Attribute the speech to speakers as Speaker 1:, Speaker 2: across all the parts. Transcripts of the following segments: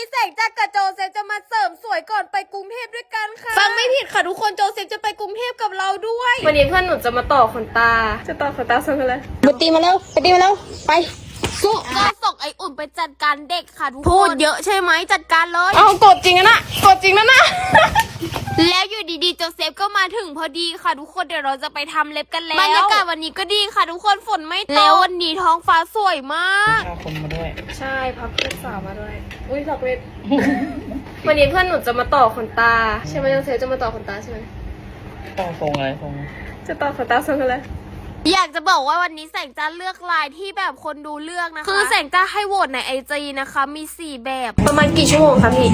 Speaker 1: แสงจากกับโจเซฟจะมาเสริมสวยก่อนไปกรุงเทพด้วยกันค่ะฟังไม่ผิดค่ะทุกคนโจเซฟจะไปกรุงเทพกับเราด้วยวันนี้เพื่อนหนูจะมาต่อขนตาจะต่อขนตาส่งกันเลย
Speaker 2: ไปตีมาแล้วไป
Speaker 1: สู้ก็ส่งไออุ่นไปจัดการเด็กค่ะทุกคนพูดเยอะใช่ไหมจัดการเลย
Speaker 2: เอากดจริงนะกดจริงนะ
Speaker 1: แล้วอยู่ดีๆโจเซฟก็มาถึงพอดีค่ะทุกคนเดี๋ยวเราจะไปทำเล็บกันแล้วบรรยากาศวันนี้ก็ดีค่ะทุกคนฝนไม่ตกแล้ววันนี้ท้องฟ้าสวยมาก
Speaker 2: พาคนมาด้วย
Speaker 1: ใช่พับเพื่อนสาวมาด้วยอุ้ยสักเวท วันนี้เพื่อนหนูจะมาต่อขนตาใช่ไหมโจเซฟจะมาต่อขนตาใช่ไหม
Speaker 2: ต่อทรงอะไรทรง
Speaker 1: จะต่อขนตาทรงอะไรอยากจะบอกว่าวันนี้แสงจ้าเลือกลายที่แบบคนดูเลือกนะคะคือแสงจ้าให้โหวตในIGนะคะมี4แบบประมาณกี่ชั่วโมงคะพี่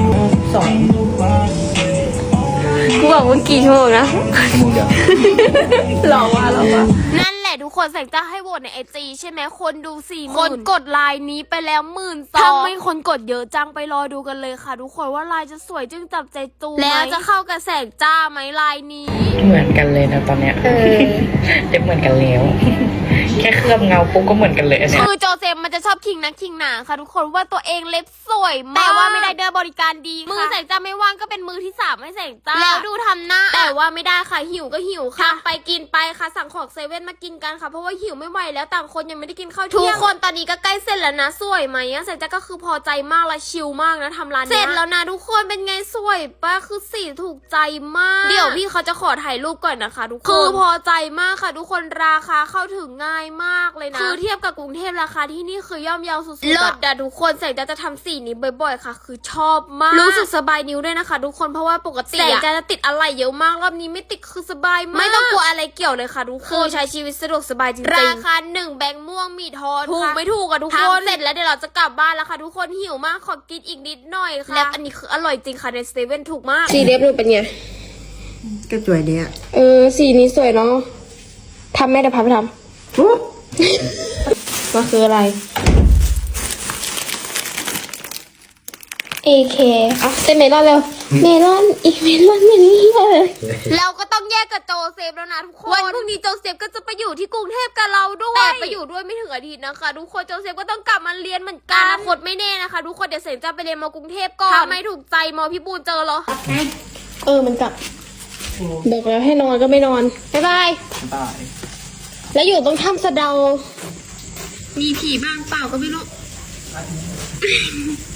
Speaker 1: 2กูบอกว่ากี่ชั่วโมงนะ
Speaker 2: ชั่วโมงเดียว
Speaker 1: หรอวะนั่นแหละทุกคนแสงจ้าให้โหวตในIGใช่ไหมคนดู40,000คนกดไลน์นี้ไปแล้ว12,000ถ้าไม่คนกดเยอะจังไปรอดูกันเลยค่ะทุกคนว่าลายจะสวยจึงจับใจตูแล้วจะเข้ากับแสงจ้าไหมลายนี้
Speaker 2: เหมือนกันเลยนะตอนเนี้ยเล็บเหมือนกันแล้วแค่เคลือบเงาปุ๊บก็เหมือนกันเลยเนี่ย
Speaker 1: คือโจเซฟมันจะชอบคิงนักคิงหนาค่ะทุกคนว่าตัวเองเล็บสวยมากแต่ว่าไม่ได้เดินบริการดีมือแสงจ้าไม่ว่างก็เป็นมือที่3ให้แสงจ้าแล้วดูทำหน้าแต่ว่าไม่ได้ค่ะหิวก็หิวค่ะไปกินไปค่ะสั่งของเซเว่นมากินกันค่ะเพราะว่าหิวไม่ไหวแล้วต่างคนยังไม่ได้กินข้าวเที่ยงทุกคนตอนนี้ก็ใกล้เสร็จแล้วนะสวยไหมแสงจ้าก็คือพอใจมากและชิลมากนะทำร้านนี้เสร็จแล้วนะทุกคนเป็นไงสวยปะคือสีถูกใจมากเดี๋ยวพี่เขาจะขอถ่ายรูปก่อนนะคะทุกคนคือพอใจมากค่ะทุกคนราคาเข้าถึงง่ายมากเลยนะคือเทียบกับกรุงเทพราคาที่นี่คือย่อมเยาสุดๆเลิศอะทุกคนแสงจะทำสีนี้บ่อยๆค่ะคือชอบมากรู้สึกสบายนิ้วด้วยนะคะทุกคนเพราะว่าปกติแสงจะติดอะไรเยอะมากรอบนี้ไม่ติดคือสบายมากไม่ต้องกลัวอะไรเกี่ยวเลยค่ะทุกคนใช้ชีวิตสะดวกสบายจริงๆราคา1แบงค์ม่วงมีทอนถูกไม่ถูกอะทุกคนเสร็จแล้วเดี๋ยวเราจะกลับบ้านแล้วค่ะทุกคนหิวมากขอกินอีกนิดหน่อยค่ะแล้วอันนี้คืออร่อยจริงค่ะในเซเว่นถูกมาก
Speaker 2: สีเล็บดูเป็นไง
Speaker 3: ก็สวยดีอ่ะ
Speaker 2: สีนี้สวยเนาะทำแม่เดี๋ยวพาไปทำมันคืออะไร AK อ่ะเต้นเมลอนเร็วเมลอนอีกเมลอนอย่างนี้เลย
Speaker 1: เราก็ต้องแยกกับโจเซฟแล้วนะทุกคนวันพรุ่งนี้โจเซฟก็จะไปอยู่ที่กรุงเทพกับเราด้วยแต่ไปอยู่ด้วยไม่ถึงอาทิตย์นะคะทุกคนโจเซฟก็ต้องกลับมาเรียนเหมือนกันอนาคตไม่แน่นะคะทุกคนเดี๋ยวเสร็จจะไปเรียนม.กรุงเทพก่อนถ้าไม่ถูกใจม.พี่บูนเจอเหรอ
Speaker 2: มันกลับบอกแล้วให้นอนก็ไม่นอนบ๊ายบายแล้วอยู่ตรงถ้ำสะเดามีผีบ้างเปล่าก็ไม่รู้